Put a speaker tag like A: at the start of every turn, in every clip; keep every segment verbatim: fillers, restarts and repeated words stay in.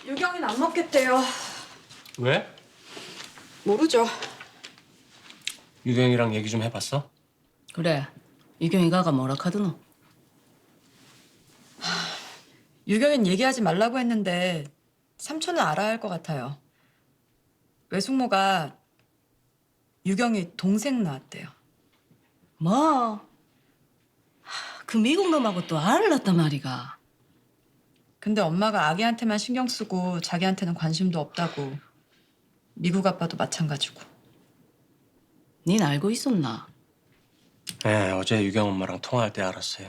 A: 유경이는 안 먹겠대요.
B: 왜?
A: 모르죠.
B: 유경이랑 얘기 좀 해봤어?
C: 그래, 유경이가가 뭐라 카드노?
A: 유경이는 얘기하지 말라고 했는데 삼촌은 알아야 할 것 같아요. 외숙모가 유경이 동생 낳았대요.
C: 뭐? 하, 그 미국 놈하고 또 알을 낳단 말이가.
A: 근데 엄마가 아기한테만 신경 쓰고 자기한테는 관심도 없다고. 미국 아빠도 마찬가지고.
C: 닌 알고 있었나?
B: 네, 어제 유경 엄마랑 통화할 때 알았어요.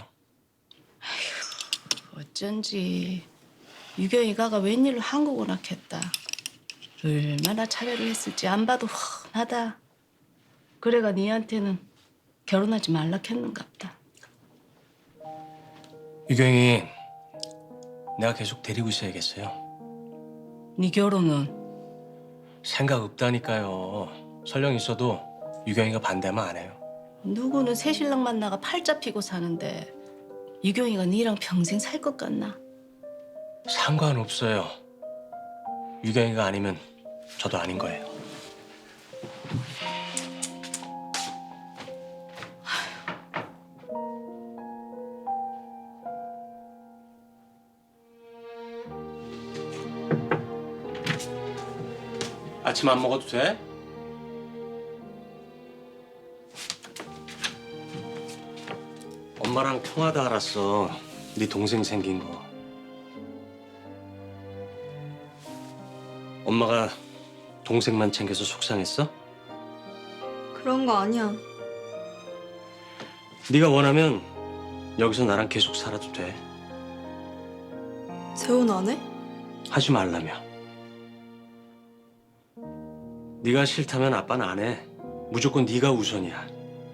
C: 어쩐지 유경이가가 웬일로 한국을 낳겠다. 얼마나 차별을 했을지 안 봐도 훤하다. 그래가 니한테는 결혼하지 말라 했는갑다.
B: 유경이 내가 계속 데리고 있어야겠어요.
C: 니 결혼은
B: 생각 없다니까요. 설령 있어도 유경이가 반대만 안 해요.
C: 누구는 새신랑 만나가 팔자 피고 사는데 유경이가 니랑 평생 살 것 같나?
B: 상관없어요. 유경이가 아니면 저도 아닌 거예요. 아침 안 먹어도 돼? 엄마랑 통화다 알았어. 네 동생 생긴 거. 엄마가 동생만 챙겨서 속상했어?
D: 그런 거 아니야.
B: 네가 원하면 여기서 나랑 계속 살아도 돼.
D: 재혼 안 해?
B: 하지 말라며. 네가 싫다면 아빠는 안 해. 무조건 네가 우선이야.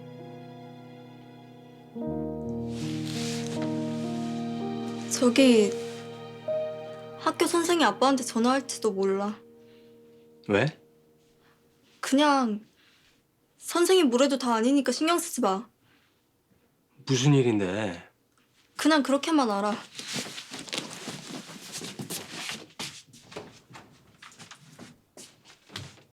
D: 저기 학교 선생이 아빠한테 전화할지도 몰라.
B: 왜?
D: 그냥 선생이 뭐래도 다 아니니까 신경 쓰지 마.
B: 무슨 일인데?
D: 그냥 그렇게만 알아.